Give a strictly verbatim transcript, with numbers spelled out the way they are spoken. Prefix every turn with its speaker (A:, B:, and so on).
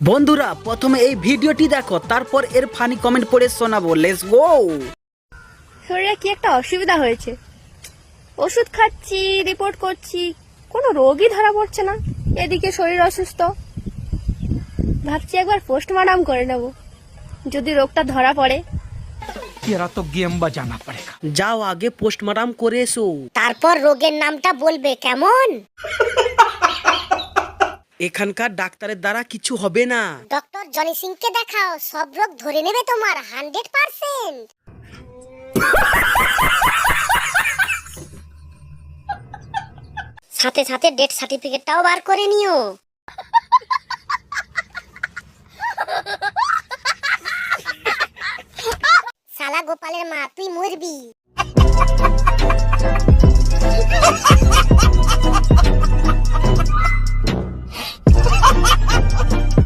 A: বন্ধুরা প্রথমে এই ভিডিওটি দেখো, তারপর এর ফানি কমেন্ট পড়ে শোনাবো। Let's go.
B: শরীরে কি একটা অসুবিধা হয়েছে, ওষুধ খাচ্ছি, রিপোর্ট করছি, কোনো রোগই ধরা পড়ছে না। এদিকে শরীর অসুস্থ, ভাবছি একবার পোস্টমর্টম করে নেব, যদি রোগটা ধরা পড়ে।
C: तेरा तो गेम बजाना पड़ेगा।
A: যাও আগে পোস্টমর্টম করে এসো,
D: তারপর রোগের নামটা বলবে, কেমন?
A: এখানকার ডাক্তারের দ্বারা কিছু হবে না।
D: ডক্টর জনি সিংকে দেখাও, সব রোগ ধরে নেবে তোমার হান্ড্রেড পার্সেন্ট। সাথে সাথে ডেথ সার্টিফিকেটটাও বার করে নিও। শালা গোপালের মা, তুই মরবি।